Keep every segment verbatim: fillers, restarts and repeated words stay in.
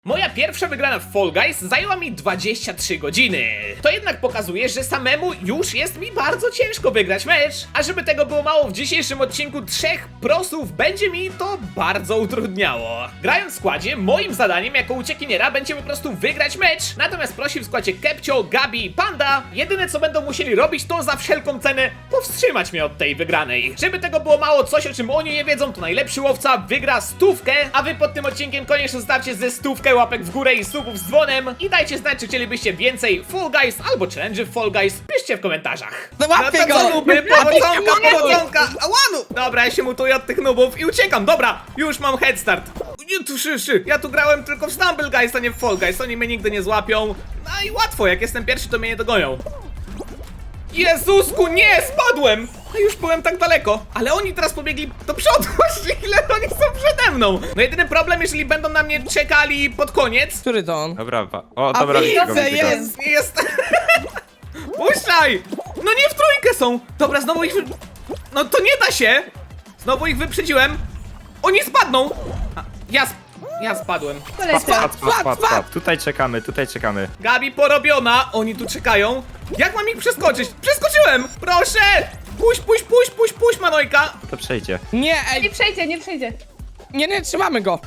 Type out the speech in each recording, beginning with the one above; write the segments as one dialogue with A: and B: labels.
A: Moja pierwsza wygrana w Fall Guys zajęła mi dwadzieścia trzy godziny. To jednak pokazuje, że samemu już jest mi bardzo ciężko wygrać mecz. A żeby tego było mało, w dzisiejszym odcinku trzech prosów będzie mi to bardzo utrudniało. Grając w składzie, moim zadaniem jako uciekiniera będzie po prostu wygrać mecz. Natomiast prosi w składzie Kepcio, Gabi i Panda. Jedyne co będą musieli robić, to za wszelką cenę powstrzymać mnie od tej wygranej. Żeby tego było mało, coś o czym oni nie wiedzą, to najlepszy łowca wygra stówkę. A wy pod tym odcinkiem koniecznie zostawcie ze stówkę łapek w górę i subów z dzwonem i dajcie znać, czy chcielibyście więcej Fall Guys albo challenge w Fall Guys. Piszcie w komentarzach.
B: No łapie
A: No to
B: go!
A: co nuby, powodzonka, powodzonka! Ałanu! Dobra, ja się mutuję od tych nubów i uciekam, dobra, już mam head start. Nie, tu szyszy, ja tu grałem tylko w Stumble Guys, a nie w Fall Guys, oni mnie nigdy nie złapią. No i łatwo, jak jestem pierwszy, to mnie nie dogonią. Jezusku, nie, spadłem! A już byłem tak daleko, ale oni teraz pobiegli do przodu, właśnie ile oni są przede mną. No jedyny problem, jeżeli będą na mnie czekali pod koniec.
B: Który to on?
C: Dobra, wa- o,
B: A
C: dobra, widzę go,
B: widzę,
C: widzę go.
B: jest!
A: Nie jest... Puszczaj! No nie w trójkę są! Dobra, znowu ich... wy- No to nie da się! Znowu ich wyprzedziłem. Oni spadną! A, ja sp... Ja spadłem.
C: Spadł, spadł, spadł, spadł, spadł. Tutaj czekamy, tutaj czekamy.
A: Gabi porobiona, oni tu czekają. Jak mam ich przeskoczyć? Przeskoczyłem! Proszę! Puść, puść, puść, puść, puść, Manojka!
C: To przejdzie.
B: Nie,
D: Nie
B: ej,
D: przejdzie, nie przejdzie.
B: nie, nie, trzymamy go!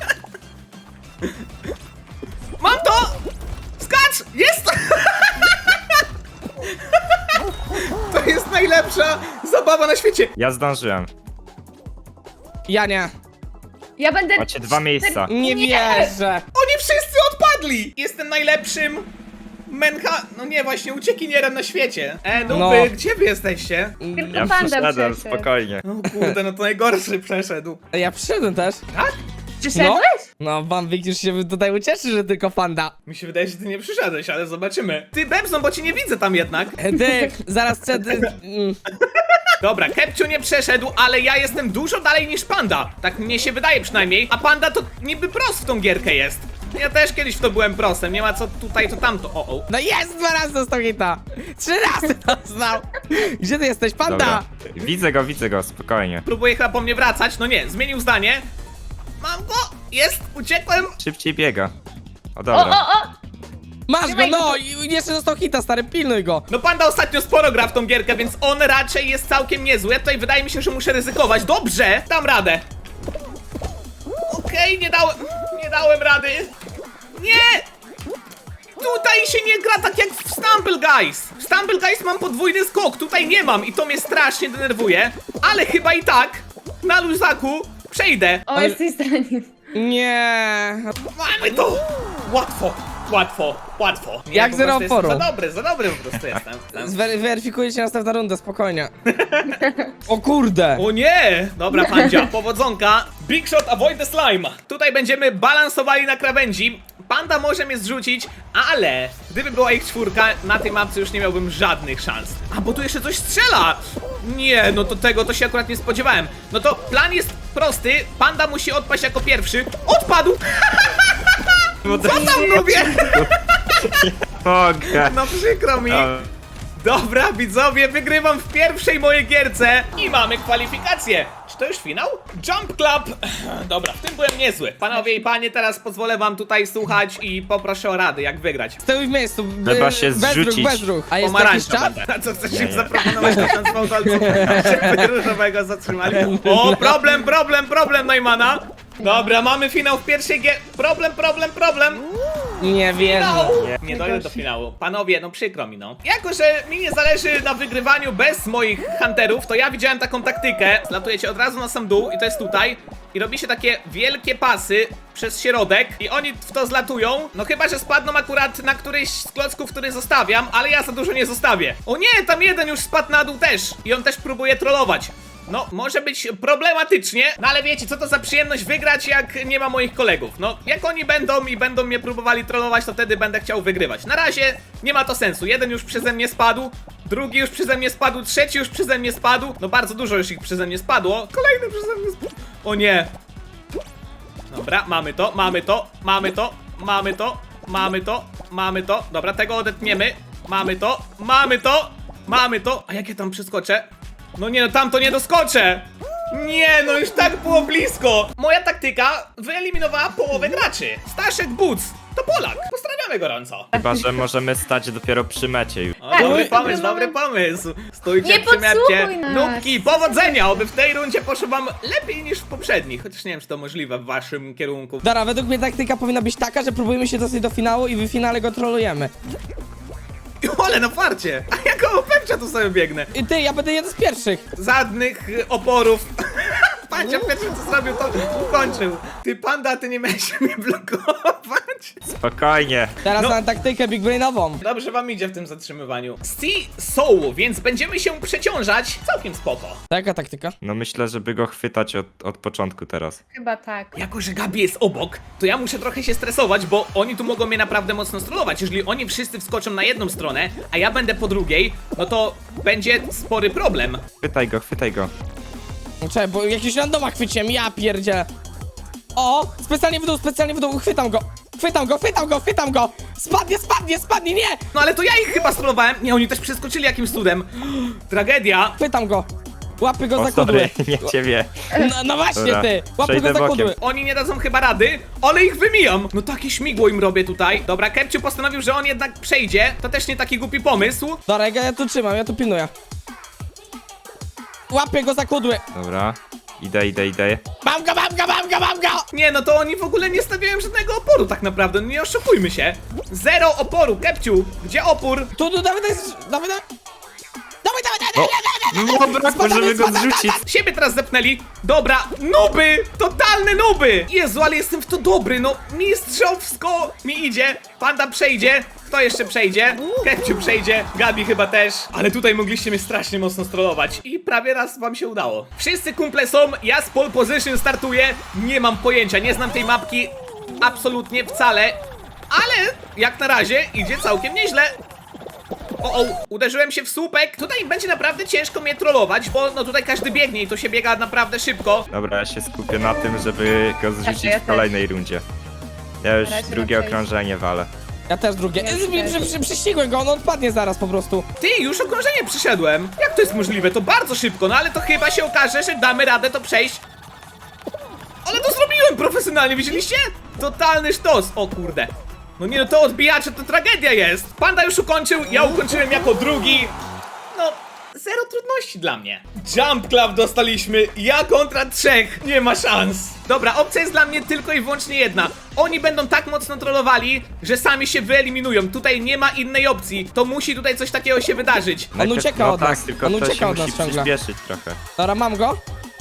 A: Mam to! Skacz! Jest! To jest najlepsza zabawa na świecie.
C: Ja zdążyłem.
B: Ja nie.
D: Ja będę...
C: Macie dwa miejsca.
B: Nie wierzę.
A: Oni wszyscy odpadli! Jestem najlepszym mencha... No nie, właśnie uciekinierem na świecie. E, nuby,
B: No.
A: gdzie wy jesteście?
D: Tylko
C: Ja
D: panda
C: przeszedłem,
D: przeszedł.
C: spokojnie.
A: No kurde, no to najgorszy przeszedł.
B: Ja przyszedłem też.
A: Tak?
D: Przyszedłeś?
B: No, wam widzisz się tutaj ucieszy, że tylko panda.
A: Mi się wydaje, że ty nie przyszedłeś, ale zobaczymy. Ty, Bebson, bo cię nie widzę tam jednak.
B: E, Ty, zaraz przed... mm,
A: Dobra, Kepcio nie przeszedł, ale ja jestem dużo dalej niż Panda. Tak mnie się wydaje przynajmniej. A Panda to niby pros w tą gierkę jest. Ja też kiedyś w to byłem prosem, nie ma co tutaj, to tamto. O, o.
B: No jest, dwa razy dostał hita. Trzy razy dostał. Gdzie ty jesteś, panda?
C: Dobra. Widzę go, widzę go, spokojnie.
A: Próbuję chyba po mnie wracać. No nie, zmienił zdanie. Mam go! Jest! Uciekłem!
C: Szybciej biega. O,
D: O,
C: dobra.
D: o, o!
B: Masz go,
D: Trzymaj
B: no!
D: go.
B: I jeszcze dostał hita, stary, pilnuj go.
A: No Panda ostatnio sporo gra w tą gierkę, więc on raczej jest całkiem niezły. Ja tutaj wydaje mi się, że muszę ryzykować. Dobrze! Dam radę. Okej, nie dałem... Nie dałem rady. Nie! Tutaj się nie gra tak jak w Stumble Guys. W Stumble Guys mam podwójny skok, tutaj nie mam i to mnie strasznie denerwuje. Ale chyba i tak na luzaku przejdę.
D: O, jesteś zraniony.
B: Nie.
A: Mamy to! Łatwo, łatwo, łatwo. Nie,
B: Jak
A: po
B: zero
A: prostu jestem
B: oporu.
A: Za dobry, za dobry po prostu jestem.
B: Zwery weryfikuję cię następna runda, spokojnie. O kurde.
A: O nie! Dobra, Pandzia, powodzonka. Big shot, avoid the slime. Tutaj będziemy balansowali na krawędzi. Panda może mnie zrzucić, ale gdyby była ich czwórka, na tej mapce już nie miałbym żadnych szans. A, bo tu jeszcze coś strzela! Nie, no to tego to się akurat nie spodziewałem. No to plan jest prosty. Panda musi odpaść jako pierwszy. Odpadł! Co tam lubię?
C: Mogę.
A: No przykro mi.
C: A,
A: Dobra, widzowie, wygrywam w pierwszej mojej gierce i mamy kwalifikacje. Czy to już finał? Jump Club. Dobra, w tym byłem niezły. Panowie i panie, teraz pozwolę wam tutaj słuchać i poproszę o rady, jak wygrać.
B: Stój w miejscu. b-
C: Trzeba się
B: bez ruch,
C: zrzucić.
B: bez ruch. A jest jakiś
A: Pomarańcza
B: czas?
A: będę. A co chcesz
C: Nie,
A: im
C: nie.
A: zaproponować na ten fałdolcu? Żeby różowego zatrzymali. O, problem, problem, problem, Neumana. Dobra, mamy finał w pierwszej gier. Problem, problem, problem.
B: Nie wierzę.
A: No. Nie dojdę do finału. Panowie, no przykro mi, no. Jako, że mi nie zależy na wygrywaniu bez moich hunterów, to ja widziałem taką taktykę. Zlatujecie od razu na sam dół i to jest tutaj. I robi się takie wielkie pasy przez środek i oni w to zlatują. No chyba, że spadną akurat na któryś z klocków, który zostawiam, ale ja za dużo nie zostawię. O nie, tam jeden już spadł na dół też. I on też próbuje trollować. No, może być problematycznie, no ale wiecie, co to za przyjemność wygrać, jak nie ma moich kolegów. No, jak oni będą i będą mnie próbowali trollować, to wtedy będę chciał wygrywać. Na razie nie ma to sensu. Jeden już przeze mnie spadł, drugi już przeze mnie spadł, trzeci już przeze mnie spadł. No, bardzo dużo już ich przeze mnie spadło. Kolejny przeze mnie spadł. O nie. Dobra, mamy to, mamy to, mamy to, mamy to, mamy to, mamy to. Dobra, tego odetniemy. Mamy to, mamy to, mamy to. A jak ja tam przeskoczę? No nie, no tam to nie doskoczę. Nie, no już tak było blisko. Moja taktyka wyeliminowała połowę graczy. Staszek Buc to Polak. Pozdrawiamy gorąco.
C: Chyba, że możemy stać dopiero przy mecie już.
A: O,
D: Tak,
A: dobry
D: my-
A: pomysł,
D: my
A: dobry
D: mamy-
A: pomysł. Stójcie
D: Nie
A: przy mecie.
D: podsłuchuj nas.
A: Nubki, powodzenia, oby w tej rundzie poszło wam lepiej niż w poprzednich. Chociaż nie wiem, czy to możliwe w waszym kierunku.
B: Dobra, według mnie taktyka powinna być taka, że próbujemy się dostać do finału i w finale go trolujemy.
A: Ole, na farcie. A ja koło Pepcia tu sobie biegnę.
B: I ty, ja będę jeden z pierwszych.
A: Żadnych y, oporów. Pancia pierwszy co zrobił, to ukończył. Ty panda, ty nie miałeś mnie blokować.
C: Spokojnie.
B: Teraz
A: No.
B: na taktykę big brainową.
A: Dobrze wam idzie w tym zatrzymywaniu. Sea Soul, więc będziemy się przeciążać. Całkiem spoko.
B: Jaka taktyka?
C: No myślę, żeby go chwytać od, od początku teraz.
D: Chyba tak.
A: Jako, że Gabi jest obok, to ja muszę trochę się stresować, bo oni tu mogą mnie naprawdę mocno strollować. Jeżeli oni wszyscy wskoczą na jedną stronę, a ja będę po drugiej, no to będzie spory problem.
C: Chwytaj go, chwytaj go.
B: Czekaj, bo jakiś randoma chwyciłem, ja pierdzielę. O, specjalnie w dół, specjalnie w dół, chwytam go. Chwytam go, chwytam go, chwytam go. Spadnie, spadnie, spadnie, nie!
A: No ale to ja ich chyba strollowałem. Nie, oni też przeskoczyli jakimś cudem. Tragedia.
B: Chwytam go. Łapy go
C: O,
B: za kudły.
C: sorry, nie ciebie.
B: No, no właśnie
C: Dobra,
B: ty, łapy go
C: przejdę
B: za
C: bokiem.
B: kudły.
A: Oni nie dadzą chyba rady, ale ich wymijam. No takie śmigło im robię tutaj. Dobra, Kepciu postanowił, że on jednak przejdzie. To też nie taki głupi pomysł.
B: Dobra, ja tu trzymam, ja tu pilnuję. Łapię go za kudły.
C: Dobra. Idę, idę, idę.
B: Mam go, mam go, mam go, mam go!
A: Nie, no to oni w ogóle nie stawiają żadnego oporu tak naprawdę, no nie oszukujmy się. Zero oporu, Kepciu, gdzie opór?
B: Tu, tu, dawaj, dawaj, dawaj, dawaj. Dawaj, dawaj, dawaj, dawaj, dawaj,
C: No brakło,
B: Spadamy,
C: żeby go
B: spadamy,
C: zrzucić.
A: Siebie teraz zepnęli. Dobra, nuby! Totalne nuby! Jezu, ale jestem w to dobry, no mistrzowsko mi idzie. Panda przejdzie. Kto jeszcze przejdzie? Kepciu przejdzie, Gabi chyba też. Ale tutaj mogliście mnie strasznie mocno strollować. I prawie raz wam się udało. Wszyscy kumple są, ja z pole position startuję. Nie mam pojęcia, nie znam tej mapki absolutnie wcale. Ale jak na razie idzie całkiem nieźle. O, o, uderzyłem się w słupek. Tutaj będzie naprawdę ciężko mnie trollować, bo no tutaj każdy biegnie i to się biega naprawdę szybko.
C: Dobra, ja się skupię na tym, żeby go zrzucić
D: ja
C: w
D: też.
C: kolejnej rundzie. Ja już
D: Na razie
C: drugie
D: na przejście.
C: okrążenie walę.
B: Ja też drugie.
D: Ja
B: Przy,
D: też.
B: przy, przy, przyścigłem go, on odpadnie zaraz po prostu.
A: Ty, już okrążenie przyszedłem. Jak to jest możliwe? To bardzo szybko, no ale to chyba się okaże, że damy radę to przejść. Ale to zrobiłem profesjonalnie, widzieliście? Totalny sztos. O kurde. No nie no, to odbijacze to tragedia jest. Panda już ukończył, ja ukończyłem jako drugi. No, zero trudności dla mnie. Jump Club dostaliśmy, ja kontra trzech. Nie ma szans. Dobra, opcja jest dla mnie tylko i wyłącznie jedna. Oni będą tak mocno trollowali, że sami się wyeliminują. Tutaj nie ma innej opcji. To musi tutaj coś takiego się wydarzyć.
C: Najpierw-
B: ucieka
C: no
B: od
C: tak,
B: nas.
C: tylko
B: On
C: to
B: ucieka
C: się
B: od nas
C: musi
B: ciągle.
C: przyspieszyć trochę.
B: Dobra, mam go.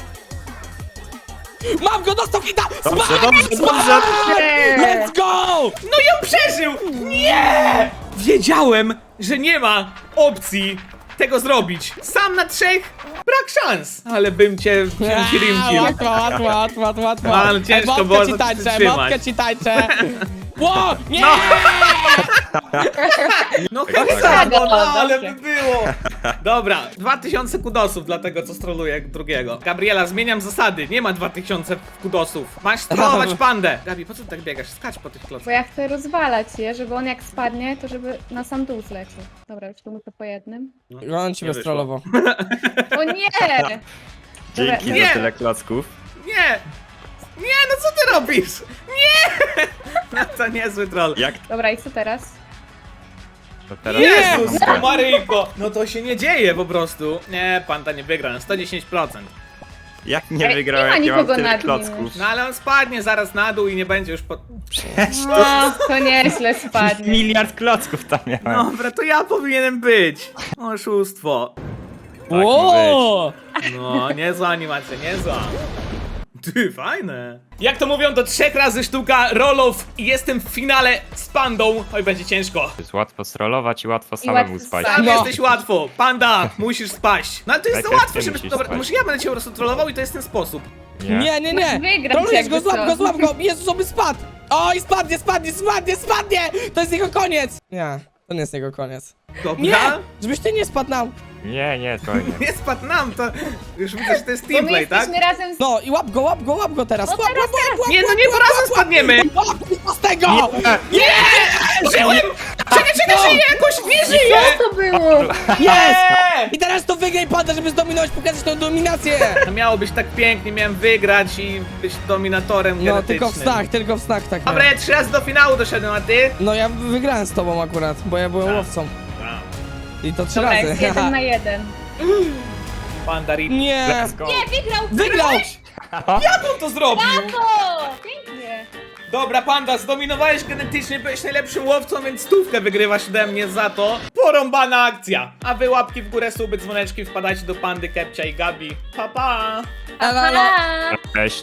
B: Mam go, dostał hita!
C: Dobrze,
B: Smack!
C: dobrze, dobrze.
B: Let's go!
A: No i on przeżył! Nie! Wiedziałem, że nie ma opcji tego zrobić. Sam na trzech? Brak szans. Ale bym cię
B: Aaa,
A: rimkił.
B: Łatwo, łatwo, łatwo, łatwo, łatwo.
A: Ale ciężko
B: Emotkę
A: było
B: ci
A: to
B: tańczę,
A: przytrzymać.
B: emotkę ci tańczę. Ło, nie!
A: No
C: Tak,
A: chyba,
C: tak.
A: no, no ale
D: Dobrze.
A: by było. Dobra, dwa tysiące kudosów dla tego, co stroluje drugiego. Gabriela, zmieniam zasady. Nie ma dwa tysiące kudosów. Masz strollować pandę. Gabi, po co ty tak biegasz? Skacz po tych
D: Bo
A: klockach.
D: ja chcę rozwalać je, żeby on jak spadnie, to żeby na sam dół zlecił. Dobra, już tu muszę po jednym.
B: On cię
A: Nie
B: wystrolował.
D: O nie!
C: Dzięki
A: Nie.
C: za tyle klocków.
A: Nie! Nie, no co ty robisz? Nie! No to niezły troll.
C: Jak
D: Dobra, i co teraz?
C: to teraz?
A: Jezus Maryjko! No to się nie dzieje po prostu. Nie, panda nie wygra na sto dziesięć procent.
C: Jak nie
D: Ej,
C: wygrałem,
D: nie ma
C: jak ja mam
D: nikogo
C: tyle
D: nad nim
C: klocków?
A: No ale on spadnie zaraz na dół i nie będzie już po...
D: No, to nieźle spadnie.
C: Miliard klocków tam miałem.
A: Dobra, to ja powinienem być. Oszustwo.
B: Ło!
A: No, niezła animacja, niezła. Ty, fajne. Jak to mówią, do trzech razy sztuka rollów i jestem w finale z pandą. Oj, będzie ciężko.
C: Jest łatwo strollować i łatwo samemu
D: łatwo
C: spać.
D: spać.
A: Tam
B: No.
A: jesteś łatwo. Panda, musisz spaść. No ale to jest za
C: Najpierw
A: łatwe,
C: ty
A: żeby...
C: musisz
A: Dobra,
C: spać.
A: może ja będę cię po prostu trollował i to jest ten sposób.
B: Nie, nie, nie!
D: Masz wygrać
B: Trolujesz go,
D: jakby
B: złap
D: co.
B: go, złap go! Jezus, oby spadł! Oj, spadnie, spadnie, spadnie, spadnie! To jest jego koniec! Nie, to nie jest jego koniec.
A: Dobra?
B: Nie! Żebyś ty nie spadł nam!
C: Nie, nie, to nie.
A: Nie spadł nam, to już widzę, że to jest
D: Bo my
A: teamplay, tak?
D: jesteśmy razem z...
B: No i łap go, łap go, łap go teraz!
D: No
B: Łap,
D: teraz,
B: łap, łap, łap,
A: Nie, no
B: łap,
A: nie,
B: łap,
A: po razem
B: łap,
A: spadniemy!
B: łap, łap, z tego!
A: Nie! Żyłem! Przecież czekaj,
B: No.
A: żyje jakoś, nie żyje!
D: Co to było?
B: Jest!
A: Eee!
B: I teraz to wygraj Panda, żeby zdominować, pokazać tą dominację!
A: To miało być tak pięknie, miałem wygrać i być dominatorem
B: No,
A: genetycznym.
B: tylko w snach, tylko w snach tak.
A: Dobra, ja trzy razy do finału doszedłem, a ty?
B: No ja wygrałem z tobą akurat, bo ja byłem
A: Tak.
B: łowcą. I to trzy
D: Dobra,
B: razy.
D: jest jeden na jeden.
A: Panda Rip.
B: Nie!
C: Let's go.
D: Nie, wygrał!
B: Wygrał!
A: Jak on to zrobił?
D: O, pięknie!
A: Dobra, Panda, zdominowałeś genetycznie, byłeś najlepszym łowcą, więc stówkę wygrywasz ode mnie za to. Porąbana akcja. A wy łapki w górę, suby, dzwoneczki, wpadajcie do Pandy, Kepcia i Gabi. Pa, pa!
B: Elo, elo.
D: Aha!
C: Cześć.